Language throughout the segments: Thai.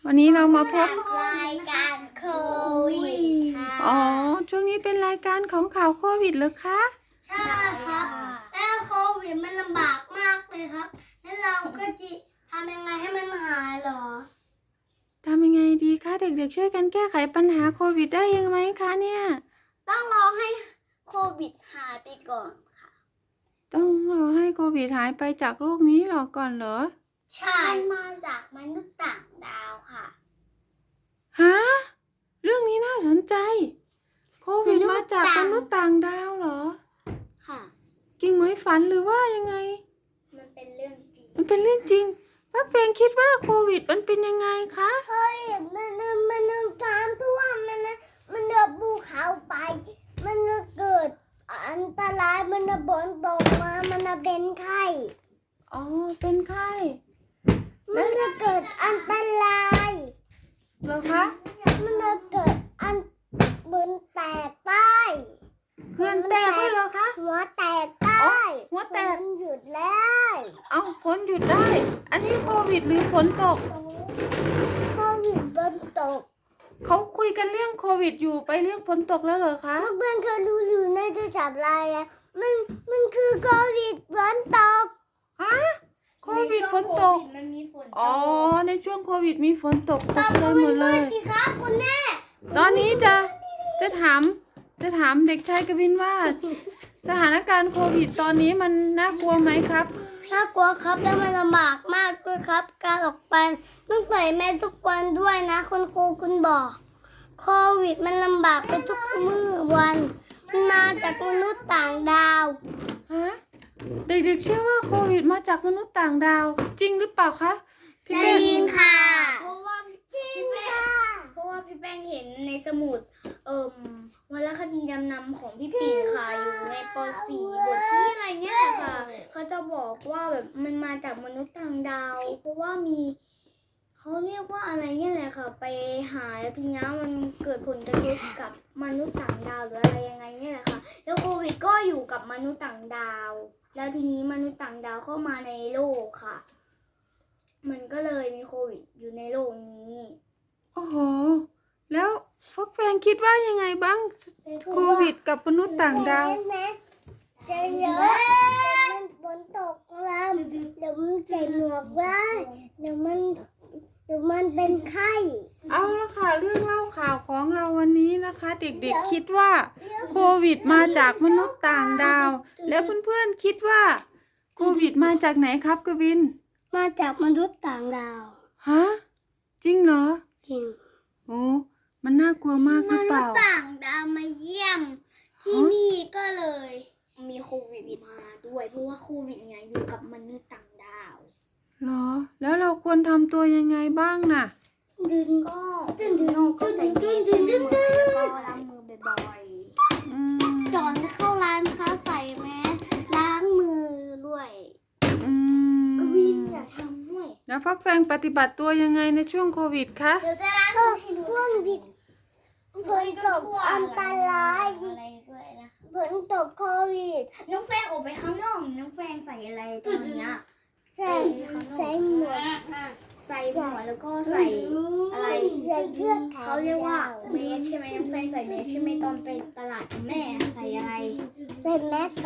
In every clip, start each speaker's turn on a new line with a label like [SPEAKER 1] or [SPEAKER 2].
[SPEAKER 1] วันนี้เรามาพบ
[SPEAKER 2] รายการโควิดค่ะ
[SPEAKER 1] อ๋อช่วงนี้เป็นรายการของข่าวโควิดเหรอคะ
[SPEAKER 2] ใช่ครับแล้วโควิดมันลำบากมากเลยครับแล้วเราก็จะทำยังไงให้มันหายหรอ
[SPEAKER 1] ทำยังไงดีคะเด็กๆช่วยกันแก้ไขปัญหาโควิดได้ยังไงคะเนี่ย
[SPEAKER 2] ต้องรอให้โควิดหายไปก่อนค่ะ
[SPEAKER 1] ต้องรอให้โควิดหายไปจากโลกนี้หรอก่อนเหรอ
[SPEAKER 2] ใช่มันมาจากมนุษย์ต่างดาวค่ะ
[SPEAKER 1] ฮะเรื่องนี้น่าสนใจโควิดมาจากมนุษย์ต่างดาวเหรอ
[SPEAKER 2] ค่ะ
[SPEAKER 1] จริงไหมฝันหรือว่ายังไง
[SPEAKER 2] มันเป็นเรื่องจริง
[SPEAKER 1] มันเป็นเรื่องจริงฟักเฟงคิดว่าโควิดมันเป็นยังไงคะ
[SPEAKER 2] เฮ้ยมันตามตัวมันเดือบภูเขาไปมันเกิดอันตรายมันฝนตกมามันเป็นไข้
[SPEAKER 1] อ๋อเป็นไข้
[SPEAKER 2] มันจะเกิดอันตราย
[SPEAKER 1] เหรอคะ
[SPEAKER 2] มันจะเกิดอันบืนแตกใต้
[SPEAKER 1] เพื่อนแตกด้วยเหรอคะ
[SPEAKER 2] หัวแตกใต้
[SPEAKER 1] หัวแตก
[SPEAKER 2] หยุดแล้ว
[SPEAKER 1] เอาฝนหยุดได้ อันนี้โควิดหรือฝนตก
[SPEAKER 2] โควิดฝนตก
[SPEAKER 1] เขาคุยกันเรื่องโควิดอยู่ไปเรื่องฝนตกแล้วเหรอคะ
[SPEAKER 2] เพื่อนเคยรู้อยู่ในโทรศัพท์ไลน์แล้วมันคือโควิดฝนตก
[SPEAKER 1] ฮะโควิดฝนตก
[SPEAKER 2] มันมีฝนตก
[SPEAKER 1] อ๋อในช่วงโควิดมีฝนตกตกใจหมดเลย
[SPEAKER 2] สิครับคุณแม่
[SPEAKER 1] ตอนนี้จะถามเด็กชายกวินว่าสถานการณ์โควิดตอนนี้มันน่ากลัวไหมครับ
[SPEAKER 2] น่ากลัวครับแล้วมันลำบากมากด้วยครับการออกไปต้องใส่แมสทุกวันด้วยนะคุณครูคุณบอกโควิดมันลำบากไปทุกมื้อวันมันมาจากมนุษย์ต่างดาว
[SPEAKER 1] ฮะเด็กๆเชื่อว่าโควิดมาจากมนุษย์ต่างดาวจริงหรือเปล่าคะ
[SPEAKER 2] จริงค่ะเพราะว่าพี่แป้งเห็นในสมุดวรรณคดีนำของพี่ปิ่นค่ะอยู่ในป .4 บทที่อะไรเนี่ยค่ะเขาจะบอกว่าแบบมันมาจากมนุษย์ต่างดาวเพราะว่ามีเขาเรียกว่าอะไรเนี่ยแหละค่ะไปหาแล้วทีนี้มันเกิดผลกระทบกับมนุษย์ต่างดาวหรืออะไรยังไงเนี่ยแหละค่ะแล้วโควิดก็อยู่กับมนุษย์ต่างดาวแล้วทีนี้มนุษย์ต่างดาวเข้ามาในโลกค่ะมันก็เลยมีโควิดอยู่ในโลกนี้
[SPEAKER 1] โอ้โหแล้วฟักแฟงคิดว่ายังไงบ้างโควิดกับมนุษย์ต่างดาว
[SPEAKER 2] จะเยอะมันฝนตกแล้วเดี๋ยวมันใส่หมวกได้เดี๋ยวมันเป็นไข้
[SPEAKER 1] เอาละค่ะเรื่องเล่าข่าวของเราวันนี้นะคะ เด็กๆคิดว่าโควิดมาจากมนุษย์ต่างดาวแล้วเพื่อนๆคิดว่าโควิดมาจากไหนครับกวิน
[SPEAKER 2] มาจากมนุษย์ต่างดาว
[SPEAKER 1] ฮะจริงเหรอ
[SPEAKER 2] จริง
[SPEAKER 1] โอ้มันน่ากลัวมากหรือเปล่าม
[SPEAKER 2] นุษย์ต่างดาวมาเยี่ยมที่นี่ก็เลยมีโควิดมาด้วยเพราะว่าโควิดเนี่ยอยู่กับมนุษย์ต่างดาว
[SPEAKER 1] เหรอแล้วเราควรทำตัวยังไงบ้างน่ะ
[SPEAKER 2] ดึงก็ใส่แมสใช่ไหมแล้วก็ล้างมือบ่อยๆก่อนจะเข้าร้านค้าใส่แมสล้างมือด้วยกวินอย่าทำด้วย
[SPEAKER 1] แล้วฟักแฟงปฏิบัติตัวยังไงในช่วงโควิดคะ
[SPEAKER 2] เดี๋ยวจะล้างมือให้ดูช่วงดิฝนตกอันตรายอะไรด้วยนะฝนตกโควิดน้องแฟงออกไปข้างนอกน้องแฟงใส่อะไรตอนนี้ใส่หมวกแล้วก็ใส่อะไรเขาเรียกว่าเมสใช่ไหมน้องแฟงใส่เมสใช่ไหมตอนไปตลาดกับแม่ใส่อะไรใส่แมส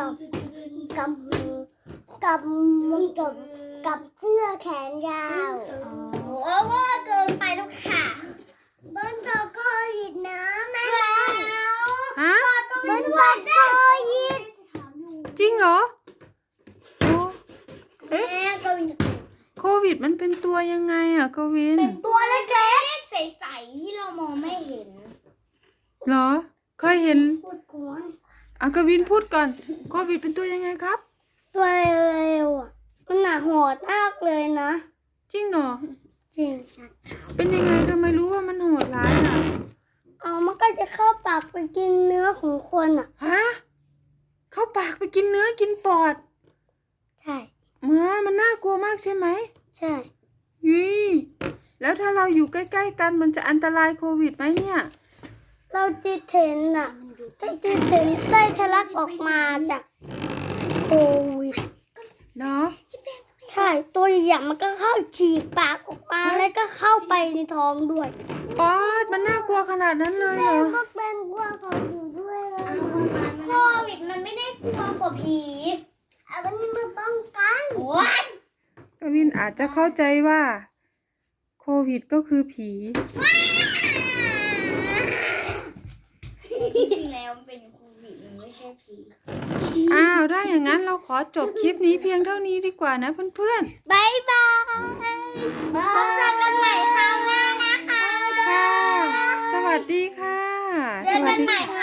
[SPEAKER 2] กับเสื้อแขนยาวโอ้ว่าเกินไปแล้วค่ะบนโต๊ะโควิดนะแม่
[SPEAKER 1] ฮะ
[SPEAKER 2] บนโต๊ะโควิด
[SPEAKER 1] จริงเหรอโอ้
[SPEAKER 2] เอ๊ะ
[SPEAKER 1] โควิดมันเป็นตัวยังไงอ่ะกวิน
[SPEAKER 2] เป็นตัวเล็กๆใสๆที่เรามองไม่เห็น
[SPEAKER 1] เหรอเคยเห็น
[SPEAKER 2] พูดก่อน
[SPEAKER 1] กวินพูดก่อนโควิดเป็นตัวยังไงครับ
[SPEAKER 2] ตัวเร็วมันหนาโหดมากเลยนะ
[SPEAKER 1] จริงเหรอ
[SPEAKER 2] จริง
[SPEAKER 1] เป็นยังไงทำไมรู้ว่ามันโหดร้ายอ่ะ
[SPEAKER 2] มันก็จะเข้าปากไปกินเนื้อของคนอ่ะ
[SPEAKER 1] ฮะเข้าปากไปกินเนื้อกินปอด
[SPEAKER 2] ใช่
[SPEAKER 1] มันน่ากลัวมากใช่ไหม
[SPEAKER 2] ใช่
[SPEAKER 1] แล้วถ้าเราอยู่ใกล้ๆกันมันจะอันตรายโควิดไหมเนี่ย
[SPEAKER 2] เราจิตเห็นไส้ทะลักออกมาจากโควิด
[SPEAKER 1] เนาะ
[SPEAKER 3] ใช่ตัวใหญ่ๆมันก็เข้าฉีกปากออกมาแล้วก็เข้าไปในท้องด้วย
[SPEAKER 1] ป๊าดมันน่ากลัวขนาดนั้นเลยเหรอ
[SPEAKER 3] ก็เป็นกลัวเขาอยู่ด้วยแล้ว
[SPEAKER 2] โควิดมันไม่ได้กลัวกว่าผี
[SPEAKER 3] มันมาป้องกัน
[SPEAKER 2] โอ้ย
[SPEAKER 1] กวินอาจจะเข้าใจว่าโควิดก็คือผี
[SPEAKER 2] จริงๆแล้วมันเป็นโควิดมันไม่ใช่ผี
[SPEAKER 1] อ้าวถ้าอย่างนั้นเราขอจบคลิปนี้เพียงเท่านี้ดีกว่านะเพื่อน
[SPEAKER 3] บายบาย
[SPEAKER 2] พบเจอกันใหม่คราวหน้านะคะ
[SPEAKER 1] ๆ ค่ะ สวัสดีค่ะ
[SPEAKER 2] เจอกันใหม่
[SPEAKER 1] สวัสดีค่ะ
[SPEAKER 2] ค